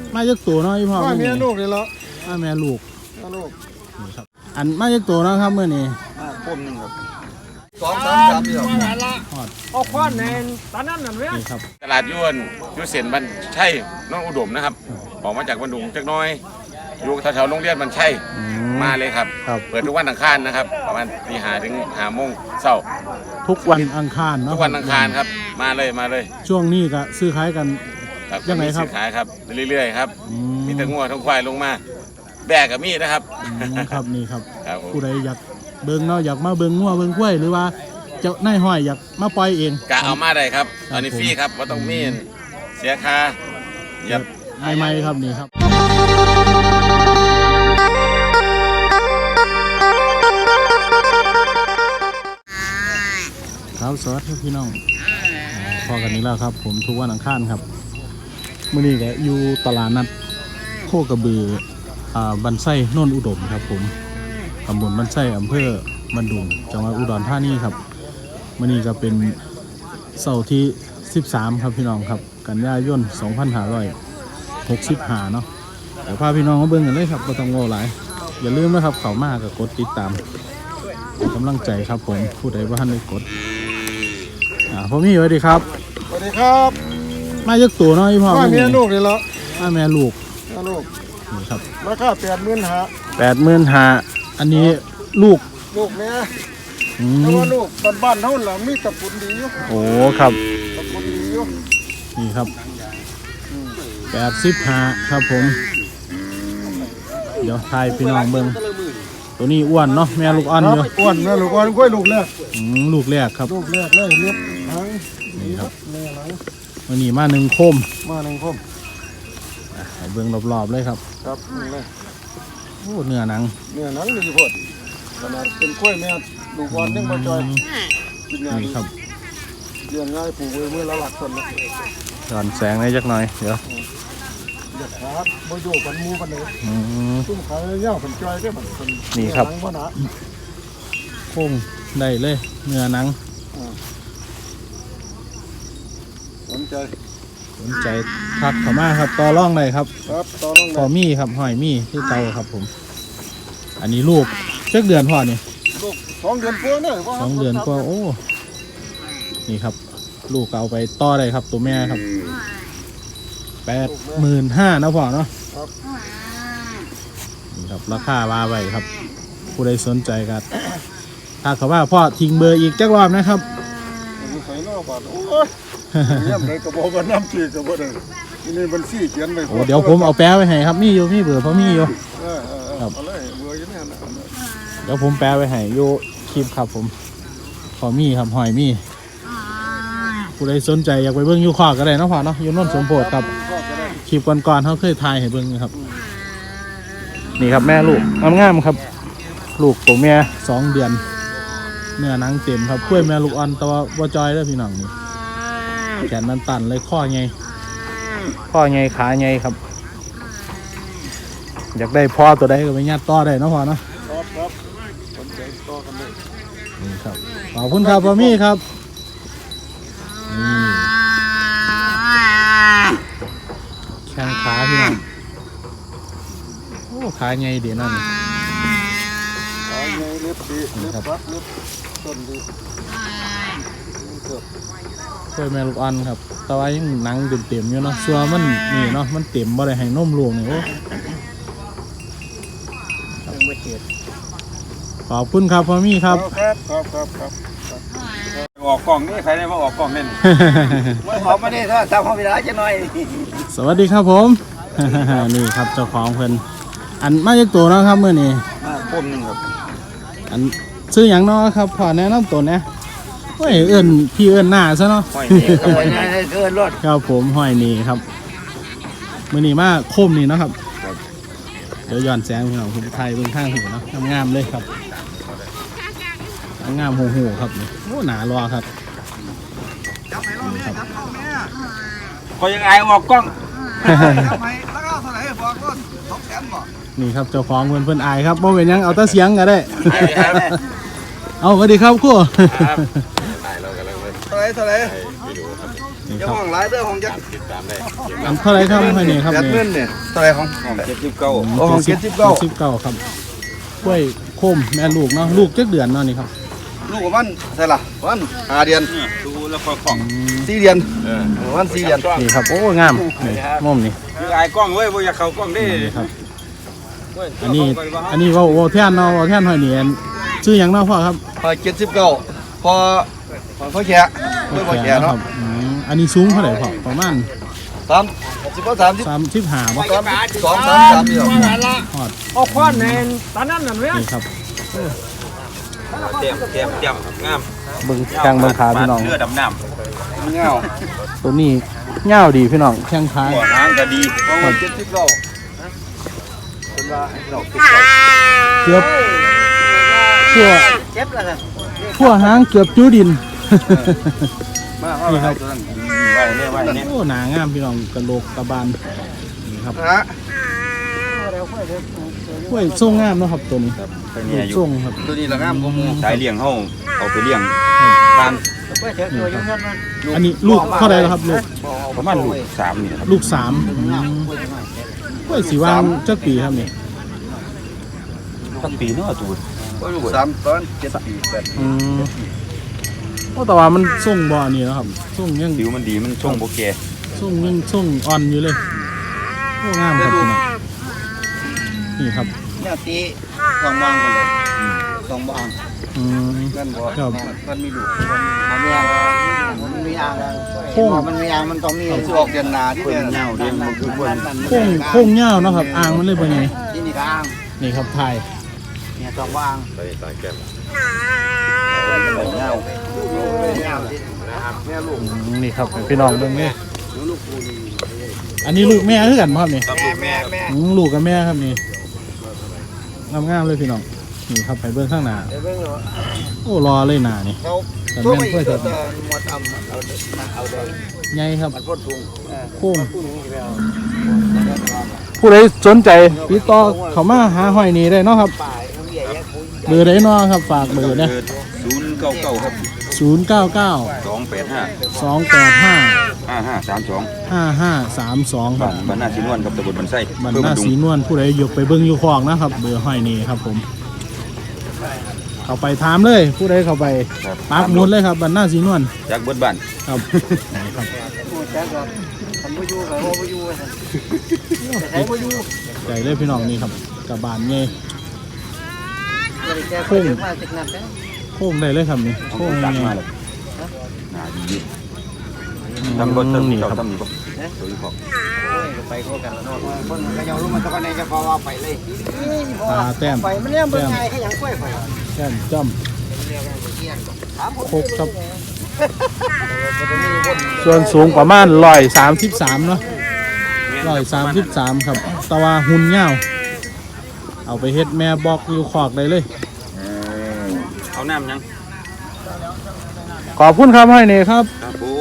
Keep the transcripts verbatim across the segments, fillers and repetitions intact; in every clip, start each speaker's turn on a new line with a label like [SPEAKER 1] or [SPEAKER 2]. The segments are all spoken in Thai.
[SPEAKER 1] มาจากตัวเนาะพี่พ่อมา
[SPEAKER 2] แม่ลูกเลยละ
[SPEAKER 1] มาแม่ลูก
[SPEAKER 2] ลูก
[SPEAKER 1] นี่ครับอันมาจากตัวเนาะครับเมื่อนี้
[SPEAKER 2] มาคมหนึ่งครับสองสามสามเดียวเอาคว้านแนนตอนนั้นนั่นเว้ย
[SPEAKER 1] นี่ครับ
[SPEAKER 3] ตลาดยวนยุเสียนบันใช่น้องอุดมนะครับออกมาจากบันดุงจักน้อยอยู่แถวๆโรงเรียนบันใช่มาเลยครับเปิดทุกวันอังคารนะครับประมาณตีห้าถึงห้าโมงเช้า
[SPEAKER 1] ทุกวันอังคารเนาะ
[SPEAKER 3] ทุกวันอังคารครับมาเลยมาเลย
[SPEAKER 1] ช่วงนี้ก็ซื้อขายกันยังไงครับ
[SPEAKER 3] ซื้อขายครับเรื่อยๆครับมีแต่งัวทั้งควายลงมาแบกกับมีดนะครับ
[SPEAKER 1] ครับนี่ครับผู้ใดอยากเบิ่งเนาะอยากมาเบิ่งงัวเบิ่งกล้วยหรือว่าเจ้านายห้อยอยากมาปล่อยเอง
[SPEAKER 3] กะเอามาได้ครับตอนนี้ฟรีครับว่าต้องมีเสียค่า
[SPEAKER 1] ยับใหม่ๆครับนี่ครับครับสวัสดีพี่น้องพอกันนี้แล้วครับผมทุกวันอังคารครับมื่อนี้ก็อยู่ตลาดนัดโคกระบืออ่าบันไส้โน่นอุดมครับผมตำบลบันไส้อำเภอบันดุงจังหวัดอุดรธานีครับมื่อนี้ก็เป็นเสาร์ที่สิบสามครับพี่น้องครับกันยายนสองพันห้าร้อยหกสิบห้าเนาะเดี๋ยวพาพี่น้องมาเบิ่งกันเลยครับก็ต้องโง่หลายอย่าลืมนะครับเข้ามาก็กดติดตามกำลังใจครับผมผู้ใดว่าท่านได้กดอ่าพ่อมี่สวัสดีครับ
[SPEAKER 2] สวัสดีครับ
[SPEAKER 1] มาจากตัวน้อยพ่อ
[SPEAKER 2] มาแม่ลูกเลยละ
[SPEAKER 1] มาแม่ลูก
[SPEAKER 2] ลูก
[SPEAKER 1] นี่ครับ
[SPEAKER 2] ราคาแปดหมื่นห้า
[SPEAKER 1] แปดหมื่นห้าอันนี้ลูก
[SPEAKER 2] ลูกเนี่ยแต่ว่าลูกบ้านๆเท่าไหร่มีตะกุนดีอยู่
[SPEAKER 1] โอ้ครับ
[SPEAKER 2] ตะกุนดีอยู่
[SPEAKER 1] นี่ครับแปดสิบห้าครับผมเดี๋ยวทายพี่น้องเบิ้งตัวนี้อ้วนเนาะแม่ลูกอ่อนเนาะ
[SPEAKER 2] อ้วนแม่ลูกอ่อนกล้วยลูกแรก
[SPEAKER 1] ลูกแรกครับ
[SPEAKER 2] ลูกแรกเลยเล็บหาง
[SPEAKER 1] นี่ครับวันนี้มาหนึ่งโคม
[SPEAKER 2] มาหนึ่งโคม
[SPEAKER 1] เบิ้งรอบๆเลยครับ
[SPEAKER 2] ครับนี่เลย
[SPEAKER 1] โอ้เนื้อหนัง
[SPEAKER 2] เนื้อหนังดีพอดขนาดเป็นกล้วยแม่ลูกอ่อนยังมาจอย
[SPEAKER 1] นี่ครับ
[SPEAKER 2] เลี้ยงง่ายปลูกไว้เมื่อละหลักคนนะ
[SPEAKER 1] ย้อนแสงได้จักหน่อยเดี๋ยว
[SPEAKER 2] เด็กครับมาอยู่กันมูกันเลยตุ้มขายเย่าผนจอยได้ผล
[SPEAKER 1] นี่ครับโค้งได้เลยเนื้อหนัง
[SPEAKER 2] สนใจ
[SPEAKER 1] สนใจทักเข้ามาครับต่อร่องเลยครับ
[SPEAKER 2] ครับต่อร่อง
[SPEAKER 1] พอมีครับหอยมีที่เตาครับผมอันนี้ลูกเช็คเดือนพอนี่
[SPEAKER 2] ลูกสองเดือนกว่าเนี่ย
[SPEAKER 1] สองเดือนกว่าโอ้นี่ครับลูกเอาไปต่อได้ครับตัวแม่ครับแปดหมื่นห้านะพ่อเนาะนี่ครับราคาว่าไว้ครับผู้ใดสนใจกันถ้าเขาว่าพ่อทิ้งเบอร์อีกจักรอบนะครับ
[SPEAKER 2] ใส่นอกบาทโอ้ยเนี่ยไหนกระบอกกันน้ำจีกระบอกเลยนี่บัญชีเขียนไป
[SPEAKER 1] โอ้เดี๋ยวผมเอาแปะไว้ให้ครับมีอยู่มีเบอร์เพราะมีอยู่
[SPEAKER 2] ครับเบอร์ยังไงนะ
[SPEAKER 1] เดี๋ยวผมแปะไว้ให้อยู่คลิปครับผมพอมีครับหอยมีผู้ใดสนใจอยากไปเบิ้งยูคอก็ได้นะพ่อเนาะยูนนท์สมโพธิครับคลิปก่อนๆเขาเคยถ่ายให้เบิ้งครับนี่ครับแม่ลูกงามๆครับลูกตัวแม่สองเดือนเนื้อหนังเต็มครับกล้วยแม่ลูกอ่อนตัววัวจอยแล้วพี่น้องนี่แขนมันตันเลยข้อไงข้อไงขาไงครับอยากได้พ่อตัวใดก็ไปยัดต่อได้นะพ่อเนาะ
[SPEAKER 2] ครับครับสนใจต่อกันเลย
[SPEAKER 1] นี่ครับขอบคุณครับพ่อมี่ครับแข้งขาพี่น้องโอ้ขาไงเดี๋ยวนั่น
[SPEAKER 2] ขาไงเล็บดีเล็บปักเล็บต้นดี
[SPEAKER 1] กล้วยแม่ลูกอ่อนครับแต่ว่ายังหนังเต็มๆอยู่เนาะส่วนมันนี่เนาะมันเต็มบ่ได้ให้นมลูกนี่โอ้ขอบคุณครับพ่อมี่ครับ
[SPEAKER 2] ครับครับครับครับ
[SPEAKER 3] ออกกล่องนี่ใครได้มาออกกล่องนี่
[SPEAKER 2] ไม่ขอไม่ได้ถ้าทำความผิดจะหน่อย
[SPEAKER 1] สวัสดีครับผมนี่ครับเจ้าของเพิ่นอันมาจากตัวเนาะครับเมื่อนี้
[SPEAKER 2] มาคมหนึ่งครับ
[SPEAKER 1] อันซื้ออย่างเนาะครับพอแนะนำตัวนะโอ้ยเอิ้นพี่เอิ้นหน้าซะเนาะ
[SPEAKER 2] หอยนี่หอยนี่เอิ้นรถ
[SPEAKER 1] ครับผมหอยนี่ครับเมื่อนี้มาคมนี่นะครับเดี๋ยวย้อนแสงพี่น้องผมไทยเบื้องข้างหูเนาะงามๆเลยครับงามหูหูครับโอ้หนารอครับ
[SPEAKER 3] ก็ยังไงออกกล้อง
[SPEAKER 1] นี่ครับเจ้าของเพื่อนเพื่อนอายครับบ่เป็นยังเอาตาเสียงก็ได้เอาสวัสดีครับครู
[SPEAKER 2] เท่าไรเท่าไร
[SPEAKER 1] นี่
[SPEAKER 2] จะ
[SPEAKER 1] ครับ
[SPEAKER 2] ห้องหลายเด้อห้องจัก
[SPEAKER 3] ติดตามได้
[SPEAKER 1] อันเท่าไรครับให้นี่ครับ
[SPEAKER 2] แปด
[SPEAKER 1] นี่
[SPEAKER 2] เงินเนี่ยเท่าไหรของห้องเจ็ดสิบเก้า
[SPEAKER 1] อืม
[SPEAKER 2] โอ้ห้องเจ็ดสิบเก้า
[SPEAKER 1] สิบเก้าครับกล้วยโคมแม่ลูกเนาะลูกจักเดือนเนาะนี่ครับ
[SPEAKER 2] ลูกของมันใช่ล่ะวันห้าเดือน
[SPEAKER 3] ดูแล้วก็ของ
[SPEAKER 1] อืม
[SPEAKER 2] สี่เดือน
[SPEAKER 3] เออ
[SPEAKER 2] วันสี่เดือน
[SPEAKER 1] นี่ครับโอ้งามนี่ม่อมนี่
[SPEAKER 3] คือไอ้กล้องเว้ยบ่อยากเข้ากล้องดิ
[SPEAKER 1] นี่ครับอันนี้อันนี้เว่าเว่าแท่นเนาะเว่าแท่นหอยเนียนชื่อหยังเนาะพ่อครับ
[SPEAKER 2] พอเจ็ดสิบเก้าพอพอเขาแฉะเพื่อพอแฉะ
[SPEAKER 1] ค
[SPEAKER 2] เนาะ
[SPEAKER 1] รับอืมอันนี้สูงเท่าไหร่พ่อประมาณ
[SPEAKER 2] สามสิบสามสิบ
[SPEAKER 1] สามสิบห้าบ่
[SPEAKER 2] สามสองสามสามเดียว
[SPEAKER 1] ฮอด
[SPEAKER 4] เอาควันในตอนนั้นน่ะเนี่ย
[SPEAKER 1] นี่ครับ
[SPEAKER 3] เตรียมเตรียมเตรียมงาม
[SPEAKER 1] เบิ่งแข้งเบิ่งขาพี่น้อง
[SPEAKER 3] เลือดดำน้
[SPEAKER 2] เงา
[SPEAKER 1] ตัวนี้เงาวดีพี่น้องแข้งขา
[SPEAKER 3] ำหัวหางก็ดี
[SPEAKER 2] พอเจ็ดสิบเก้าเป็นว่าให้เราเก็บ
[SPEAKER 1] เกือบทั่ว
[SPEAKER 4] เจ็บแล้วนะ
[SPEAKER 1] ทั่วหางเกือบจูดิน
[SPEAKER 2] มาเอาไปตัวนั้น
[SPEAKER 3] ไว้เนี่ยไว้เนี่ย
[SPEAKER 1] โอ้หนางามพี่น้องกระโหลกกระบาลนี่ครับ
[SPEAKER 2] ฮะ
[SPEAKER 1] กล้วยทรงงามเนาะครับตัวนี้
[SPEAKER 3] เป็น
[SPEAKER 1] ลู
[SPEAKER 3] เนี่ย
[SPEAKER 1] ก
[SPEAKER 3] อยู่
[SPEAKER 1] ทรงครับ
[SPEAKER 2] ตัวนี้ละงามกว่าหมู
[SPEAKER 3] สายเลี้ยงเฮาเอาไปเลี้ยงทาน
[SPEAKER 4] เพื่อเจอตัวยุ่งยากมัน
[SPEAKER 1] อันนี้ลูกเท่าไหร่แล้วครับลูก
[SPEAKER 3] ประมาณลูกสามนี่ครับ
[SPEAKER 1] ลูกสามอืมกล้วยสีวางจักปีครับนี่
[SPEAKER 3] ตั้งปีเนาะตูด
[SPEAKER 2] สามตอนเจ็ดปีแปดปี
[SPEAKER 1] อืมโอ้แต่ว่ามันทรงบ่อนี่เนาะครับทรงยัง
[SPEAKER 3] ผิวมันดีมันช่วงโบแก
[SPEAKER 1] ทรงยังทรงอ่อนอยู่เลยโอ้งามครับพี่น้องนี่ครับ
[SPEAKER 2] เนี่ยตีสองบางกันเลยสองบาง
[SPEAKER 1] อืม
[SPEAKER 2] กันบ่
[SPEAKER 1] ครับ
[SPEAKER 2] มันมีลูก
[SPEAKER 4] มันมีอ่างมันมีอ่าง
[SPEAKER 1] โค้ง
[SPEAKER 4] มันมีอ่างมันต้องมี
[SPEAKER 2] มันสิออกเดือนหน้าที่
[SPEAKER 3] เพิ่น
[SPEAKER 2] เนี่ย
[SPEAKER 3] เงาเลี้ยงมันคือเพิ่น
[SPEAKER 1] โค้งโค้งเงาวเนาะครับอ่างมันเลยเป็นไง
[SPEAKER 4] ที่นี่ก็อ่าง
[SPEAKER 1] นี่ครับถ่าย
[SPEAKER 4] เนี่ยต้องวาง
[SPEAKER 3] ไปตาแก้ม
[SPEAKER 2] เงา
[SPEAKER 4] เงาที่
[SPEAKER 1] อืมนี่ครับพี่น้องเบิ่งนี่อันนี้ลูกแม่คือกันบ่ครับนี่
[SPEAKER 3] ครับลูกแม่
[SPEAKER 4] แม่
[SPEAKER 1] อืมลูกกับแม่ครับนี่งามๆเลยพี่น้องนี่ครับไปเบิ่งข้างหน้า
[SPEAKER 4] เดี๋ยวเบิ่งว่า
[SPEAKER 1] โอ้รอเลยหน้านี่
[SPEAKER 4] เขา
[SPEAKER 1] แต่
[SPEAKER 4] ตัว
[SPEAKER 1] แม่น
[SPEAKER 4] ไม่
[SPEAKER 1] เพื่อ
[SPEAKER 4] ตั
[SPEAKER 1] จะ
[SPEAKER 4] วหมดทำเอาเด็กมาเอาเด็ก
[SPEAKER 1] ใหญ่ครับ
[SPEAKER 4] มันพ่นทุง
[SPEAKER 1] โค้ง
[SPEAKER 4] พุ่งนี่ไปเอา
[SPEAKER 1] ผู้ใดสนใจติดต่อเข้ามาหาหอยนี่ได้เนาะครับ
[SPEAKER 4] ป่ายเขาใหญ่แยกปุ๋ย
[SPEAKER 1] เบอร์ใดเนาะครับฝากเบอร์นะ
[SPEAKER 3] ศูนย์เก้าเก้าครับ
[SPEAKER 1] ศูนย์ เก้า เก้า
[SPEAKER 3] สองแปดห้า
[SPEAKER 1] สอง แปด ห้า
[SPEAKER 3] ห้าห้าสามสอง
[SPEAKER 1] ห้า ห้า สาม สองค
[SPEAKER 3] บ้า
[SPEAKER 1] รับ
[SPEAKER 3] นบ้านหน้าสีนวลกับตำบลบันไส้
[SPEAKER 1] บรร
[SPEAKER 3] เพื่อ
[SPEAKER 1] ณา
[SPEAKER 3] บำรุง
[SPEAKER 1] สีนวลผู้ใดยกไปเบิ่งอยู่คลองนะครับเบอร์หอยนี่ครับผมเข้าไปถามเลยผู้ใดเข้าไป
[SPEAKER 3] ครับ
[SPEAKER 1] ปักหมุดเลยครับบรรณาสีนวล
[SPEAKER 3] จากเบิดบ้าน
[SPEAKER 1] ครับนี่ครับ
[SPEAKER 4] พูดจ้าก่อนทำบ่อยู่กับบ่อยู่ใช้บ่อยู่
[SPEAKER 1] ใจเลยพี่น้องนี่ครับกับบานเงี้ย
[SPEAKER 4] บ่ได้แก้ปุ๋ยมาจากนั้นนะ
[SPEAKER 1] โค้งได้เลยครับนี่
[SPEAKER 3] เอา
[SPEAKER 1] โค้ง
[SPEAKER 3] ตั
[SPEAKER 1] ยั
[SPEAKER 3] ก
[SPEAKER 1] งไง
[SPEAKER 3] มาเลยหน้าดีทำรถเติม
[SPEAKER 1] นี่
[SPEAKER 3] เจ้า
[SPEAKER 1] ครับ
[SPEAKER 3] ทำนี่ปะตัวนี้พอ
[SPEAKER 4] ไปโคกันแล้วเนาะคนก็ยังรู้มันตะกันในจะพอว่าไปเลย
[SPEAKER 1] ตาแต้ม
[SPEAKER 4] ไปมันเนี่ยมันไงแค่ยังกล้วยไป
[SPEAKER 1] แต้มจ้ำโคกครับส่วนสูงประมาณร้อยสามสิบสามเนาะร้อยสามสิบสามครับแตะว่าหุ่นเงาวเอาไปเฮ็ดแม่บอกอยู่ขอกได้เลย
[SPEAKER 3] เอาน้ำยัง
[SPEAKER 1] ขอบคุณครับให้เน่ครับ
[SPEAKER 3] ครับผม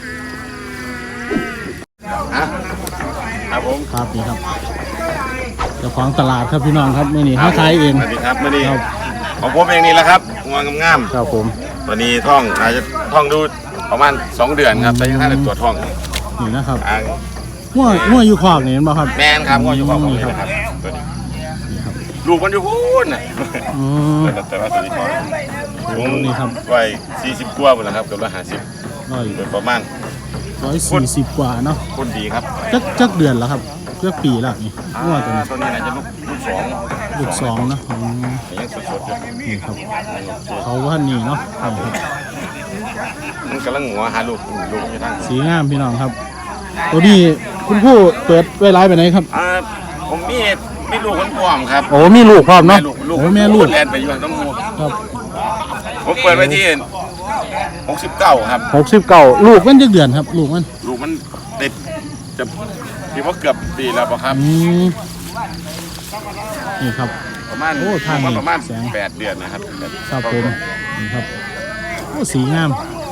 [SPEAKER 3] ครับผม
[SPEAKER 1] ครับนี่ครับเจ้าของตลาดครับพี่น้องครับมื่อนี้ห้าขายเอง
[SPEAKER 3] สวัสดีครับมื่อนี้
[SPEAKER 1] ครับ
[SPEAKER 3] ของผมเองนี่แหละครับงวงงาม
[SPEAKER 1] ครับผม
[SPEAKER 3] ๆตัวนี้ท่องอาจจะท่องดูประมาณสองเดือนครับแต่ยังท่านได้ตรวจท่อง
[SPEAKER 1] นี่นะครับ
[SPEAKER 3] อ่า
[SPEAKER 1] หัวหัวอยู่ขอกนี่เห็นบ่ครับ
[SPEAKER 3] แมนครับงวอยู่ของผมนี่นะครับตัวนี้ลูกมันอยู่พูนน่ะ
[SPEAKER 1] อืม
[SPEAKER 3] แต่ว่าตัวนี้ท้องผม
[SPEAKER 1] นี่ครับ
[SPEAKER 3] ไว้สี่สิบกว่าหมดแล้วครับเกือบร้อยห้าสิบ
[SPEAKER 1] ร้อย
[SPEAKER 3] โดยประมาณ
[SPEAKER 1] ร้อยสี่สิบกว่าเนาะ
[SPEAKER 3] คนดีครับ
[SPEAKER 1] จักจักเดือนแล้วครับจักปีแล้วนี่
[SPEAKER 3] อ่า
[SPEAKER 1] หัวตัวนี้
[SPEAKER 3] ตัวนี้น่าจะลูกลูกสอง
[SPEAKER 1] ลูกสองเนาะอืม
[SPEAKER 3] ยังสดๆอยู่
[SPEAKER 1] นี่ครับเขาว่านี่เนาะนี่ครับ
[SPEAKER 3] มันกำลังหัวหาลูกลูกอยู่ทาง
[SPEAKER 1] สีงามพี่น้องครับ ตัวนี้คุณผู้เปิดไว้ร้ายไปไหนครับ
[SPEAKER 3] อ่าผมมีมีลูกคนป้อมครับ
[SPEAKER 1] โอ้มีลูกพร้อมเนาะ
[SPEAKER 3] ลูกลูก
[SPEAKER 1] โอ้แม่ลูก
[SPEAKER 3] แลนไปอยู่น้ำมู
[SPEAKER 1] ครับ
[SPEAKER 3] ผมเปิดไว้ที่หกสิบเก้าครับ
[SPEAKER 1] หกสิบเก้าลูกมันจักเดือนครับ ลูกมัน
[SPEAKER 3] ลูกมันติดจะที่ว่าเกือบปีแล้วป่ะครับ
[SPEAKER 1] อืมนี่ครับ
[SPEAKER 3] ประมาณ
[SPEAKER 1] โอ้ทางนี้
[SPEAKER 3] ประมาณ
[SPEAKER 1] แสง
[SPEAKER 3] แปดเดือนนะครับ
[SPEAKER 1] ครับผมนี่ครับโอ้สีงาม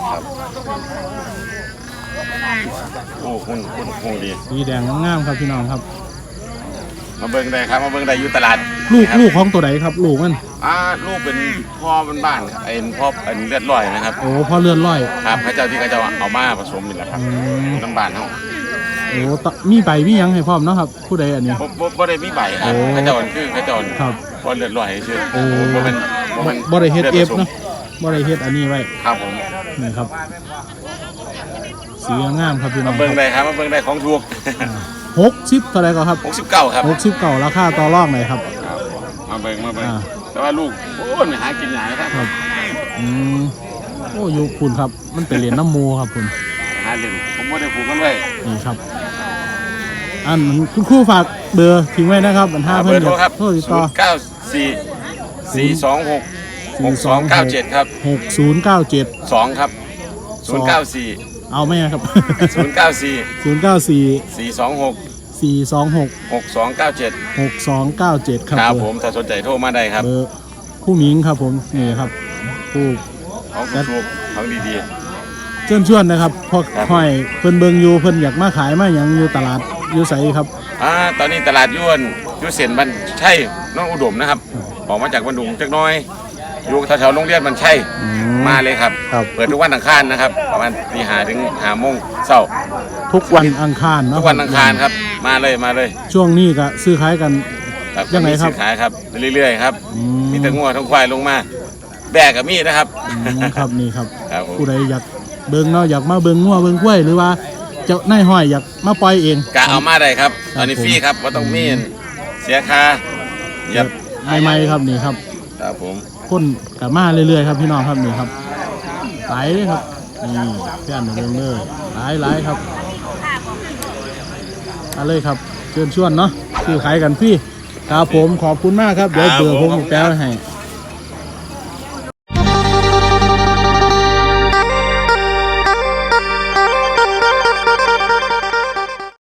[SPEAKER 3] โอ้คุณคุณคงดี
[SPEAKER 1] สีแดงงามครับพี่น้องครับ
[SPEAKER 3] มาเบิ่งได้ครับมาเบิ่งได้อยู่ตลาด
[SPEAKER 1] ลูก
[SPEAKER 3] ครับ
[SPEAKER 1] ลูกของตัวไหนครับ ลูกมัน
[SPEAKER 3] ตอ่าลูกเป็นพ่อเป็นบ้านไอ้พ่อเป็นเลือดลอยนะครับ
[SPEAKER 1] โอ้พ่อเลื่อนลอย
[SPEAKER 3] ครับพระเจ้าที่เขาจะเอามาผสมนี่แหละครับ
[SPEAKER 1] อืม
[SPEAKER 3] น้ำบานเขา
[SPEAKER 1] โอ้ตะมีใบมีหยังให้พร้อมเนาะครับ ผู้ใดอันนี้
[SPEAKER 3] บ่บ่บ่ได้มีใบครับ
[SPEAKER 1] โอ้
[SPEAKER 3] พระเจ้าคือพระเจ้า
[SPEAKER 1] ครับ
[SPEAKER 3] พ่อเลือดลอยชื่อ
[SPEAKER 1] โอ้
[SPEAKER 3] บ่เป็นบ่เป็น
[SPEAKER 1] บ่ได้เฮ็ดเอฟ
[SPEAKER 3] ลืผสม
[SPEAKER 1] เนาะบ่ได้เฮ็ดอันนี้ไว้
[SPEAKER 3] ครับผม
[SPEAKER 1] นี่ครับสีงามครับพี่น้อ
[SPEAKER 3] มาง เบิ่งได้ครับมาเบิ่งได้ของถูก
[SPEAKER 1] หกสิบเท่าไหรก็ครับ
[SPEAKER 3] หกสิบเก้าครับ
[SPEAKER 1] หกสิบเก้าราคาต่อรองไหนครับ
[SPEAKER 3] มาเบิ่งมาเบิ่ง
[SPEAKER 1] อ่า
[SPEAKER 3] แต่ว่าลูกโอ้ยไม่หากินหยังครับ
[SPEAKER 1] ครับอืมโอ้อยู่คุณครับ มันไปเรียนน้ำมูครับคุณ
[SPEAKER 3] หาเล่นผมบ่ได้ผูกกันไว้
[SPEAKER 1] นี่ครับ อันคุณครูฝากเบอร์ทิ้งไว้นะครับบรรทัด
[SPEAKER 3] เบ
[SPEAKER 1] เพื่
[SPEAKER 3] อ
[SPEAKER 1] อน
[SPEAKER 3] ร์โทรครับ
[SPEAKER 1] โทรติดต่อ
[SPEAKER 3] ศูนย์เก้าสี่ สี่สองหก หกสองเก้าเจ็ดครับ
[SPEAKER 1] หกศูนย์เก้าเจ็ด
[SPEAKER 3] สองครับศูนย์เก้าสี่
[SPEAKER 1] เอาไหมครับ
[SPEAKER 3] ศูนย์เก้าสี่
[SPEAKER 1] ศูนย์เก้าสี่
[SPEAKER 3] สี่สองหก
[SPEAKER 1] สี่สองหก
[SPEAKER 3] หกสองเก้าเจ็ด
[SPEAKER 1] หกสองเก้าเจ็ดครับ
[SPEAKER 3] ครับ
[SPEAKER 1] เบอ
[SPEAKER 3] ผมถ้าสนใจโทรมาได้ครับ
[SPEAKER 1] เบอร์ผู้หมิงครับผมนี่ครับผู้
[SPEAKER 3] ของถูกของดี
[SPEAKER 1] เชิญชวนนะครับพอ
[SPEAKER 3] ครับ
[SPEAKER 1] ห้อยเพิ่นเบิงอยู่เพิ่นอยากมาขายมาหยังอยู่ตลาดอยู่ไสครับ
[SPEAKER 3] ๆอ่าตอนนี้ตลาดยวนอยุเส้นบันใช่น้องอุดมนะครับออกมาจากบันดุงจักหน้อยอยู่แถวๆโรงเรียนบันใช่
[SPEAKER 1] อื
[SPEAKER 3] มาเลยครับ
[SPEAKER 1] ครับ
[SPEAKER 3] เปิดทุกวันอังคารนะครับ ประมาณตีห้าถึงห้าโมงเช้า
[SPEAKER 1] ทุกวันอังคารเนาะ
[SPEAKER 3] ทุกวันอังคารครับ มาเลยมาเลย
[SPEAKER 1] ช่วงนี้ก็ซื้อขายกัน
[SPEAKER 3] ครับ
[SPEAKER 1] ยังไงครับ
[SPEAKER 3] มีสินขายครับเรื่อยๆครับ
[SPEAKER 1] อืม
[SPEAKER 3] มีแต่งัวทั้งควายลงมาแบกกับมีดนะครับ
[SPEAKER 1] อืมครับนี่ครับ
[SPEAKER 3] ครับผม
[SPEAKER 1] ผู้ใดอยากเบิ่งเนาะอยากมาเบิ่งงัวเบิ่งกล้วยหรือว่าเจ้านายห้อยอยากมาปล่อยเอง
[SPEAKER 3] กะเอามาได้ครับ
[SPEAKER 1] ครับ
[SPEAKER 3] ตอนนี้
[SPEAKER 1] ผม
[SPEAKER 3] ฟรีครับว่าต้องมีเสียค่าเหยับ
[SPEAKER 1] ใหม่ๆครับนี่ครับ
[SPEAKER 3] ครับผม
[SPEAKER 1] คนกับมาเรื่อยๆครับพี่น้องครับนี่ครับหลายเลยครับนี่แค่นเบิ่งเลยหลายหลายครับเอาเลยครับเชิญชวนเนาะซื้อขายกันพี่ครับผมขอบคุณมากครับเดี๋ยวเบอร์ผมแปลให้